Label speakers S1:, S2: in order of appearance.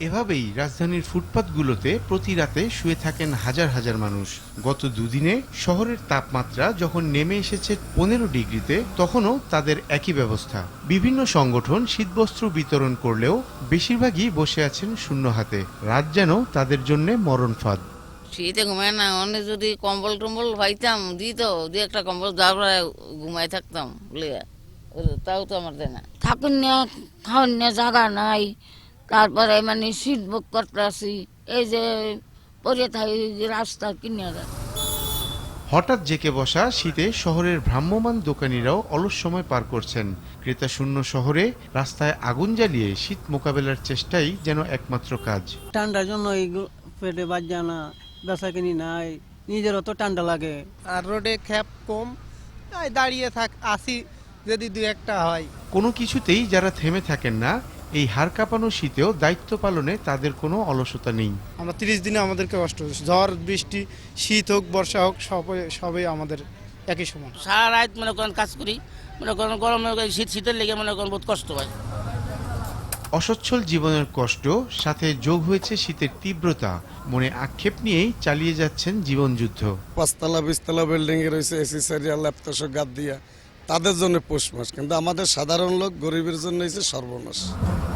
S1: এভাবেই রাজধানীর ফুটপাতগুলোতে প্রতি রাতে শুয়ে থাকেন হাজার হাজার মানুষ। গত দুদিনে শহরের তাপমাত্রা যখন নেমে এসেছে 15 ডিগ্রিতে, তখনও তাদের একই ব্যবস্থা। বিভিন্ন সংগঠন শীতবস্ত্র বিতরণ করলেও বেশিরভাগই বসে আছেন শূন্য হাতে। রাত যেন তাদের জন্য মরণ ফাঁদ।
S2: শীতে ঘুমায় না, অনেক যদি কম্বল টম্বল পাইতাম দিত, দু একটা কম্বল তারপরে ঘুমাই থাকতাম লিয়া, তাও তো আমার দেয় না।
S3: থাকুন না, খাওয়ান না, জায়গা নাই, তারপরে মানে সিট বুক করতে আসি, এই যে পরে থাকি রাস্তার কিনারে।
S1: হঠাৎ জেঁকে বসা শীতে শহরের ভ্রাম্যমাণ দোকানিরাও অলস সময় পার করছেন। ক্রেতা শূন্য শহরে রাস্তায় আগুন জ্বালিয়ে শীত মোকাবেলার চেষ্টাই যেন একমাত্র কাজ।
S4: ঠান্ডার জন্য এই পেটে বাজ্যা না, বেচা কিনি নাই, নিজেরও তো ঠান্ডা লাগে।
S5: আর রোডে খ্যাপ কম, তাই দাঁড়িয়ে আসি যদি দু একটা হয়।
S1: কোনো কিছুতেই যারা থেমে থাকেন না, এই হাড় কাঁপানো শীতেও দায়িত্ব পালনে তাদের কোনো অলসতা নেই।
S5: আমরা 30 দিনে আমাদেরকে কষ্ট হচ্ছে, ঝড় বৃষ্টি, শীত হোক বর্ষা হোক, সবই আমাদের একই সমান।
S6: সারা রাত মনে করেন কাজ করি, মনে করেন গরমের শীতের লেগে মনে করেন বহুত কষ্ট হয়।
S1: অসচ্ছল জীবনের কষ্ট সাথে যোগ হয়েছে শীতের তীব্রতা, মনে আক্ষেপ নিয়েই চালিয়ে যাচ্ছেন জীবনযুদ্ধ।
S7: 5তলা 20তলা বিল্ডিং এ রয়েছে এসি সারিয়া ল্যাপটপ গাদ দিয়া, তাদের জন্য পৌষ মাস, কিন্তু আমাদের সাধারণ লোক গরিবের জন্য হয়েছে সর্বনাশ।